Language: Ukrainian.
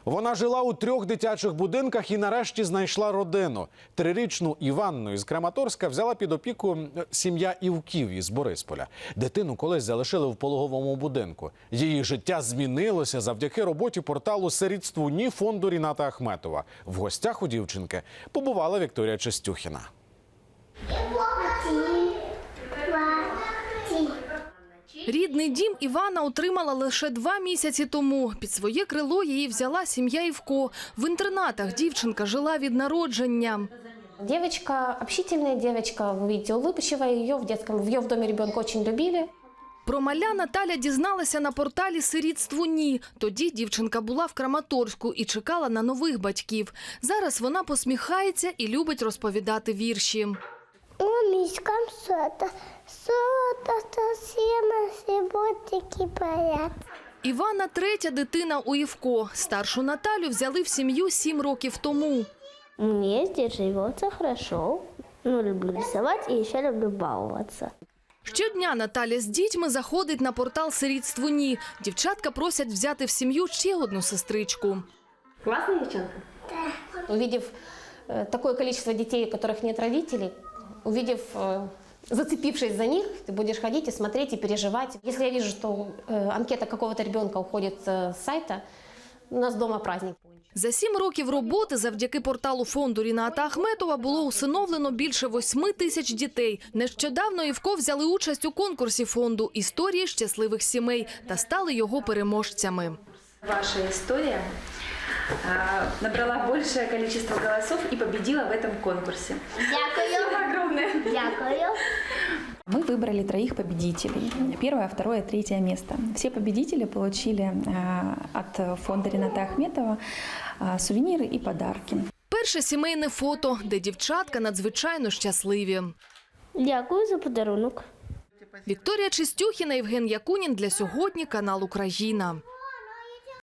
Вона жила у 3 дитячих будинках і нарешті знайшла родину. 3-річну Іванну із Краматорська взяла під опіку сім'я Івків із Борисполя. Дитину колись залишили в пологовому будинку. Її життя змінилося завдяки роботі порталу «Сирітству ні» фонду Ріната Ахметова. В гостях у дівчинки побувала Вікторія Чистюхіна. Рідний дім Івана отримала лише 2 місяці тому. Під своє крило її взяла сім'я Івко. В інтернатах дівчинка жила від народження. Девочка, общительная девочка, вы видите, улыбчивая, ее в доме ребенка очень любили. Про маля Наталя дізналася на порталі «Сирітству ні». Тоді дівчинка була в Краматорську і чекала на нових батьків. Зараз вона посміхається і любить розповідати вірші. Мишкам совсем ботики парят. Івана – 3-я дитина у Івко. Старшу Наталю взяли в сім'ю 7 років тому. Мне здесь живется хорошо. Люблю рисовать и еще люблю баловаться. Щодня Наталя з дітьми заходить на портал «Сирітству ні». Дівчатка просять взяти в сім'ю ще одну сестричку. Классная девчонка? Да. Увидев такое количество детей, у которых нет родителей, зацепившись за них, ты будешь ходить и смотреть, и переживать. Если я вижу, что анкета какого-то ребенка уходит с сайта, у нас дома праздник. За 7 років роботи завдяки порталу фонду Ріната Ахметова було усиновлено більше 8 тисяч дітей. Нещодавно Івко взяли участь у конкурсі фонду «Історії щасливих сімей» та стали його переможцями. Ваша история набрала большее количество голосов и победила в этом конкурсе. Спасибо огромное. Дякую. Мы выбрали 3 победителей. 1-е, 2-е, 3-е место. Все победители получили от фонда Рината Ахметова сувениры и подарки. Перше сімейне фото, де дівчатка надзвичайно щасливі. Дякую за подарунок. Вікторія Чистюхіна, Євген Якунін. Для сьогодні канал «Україна».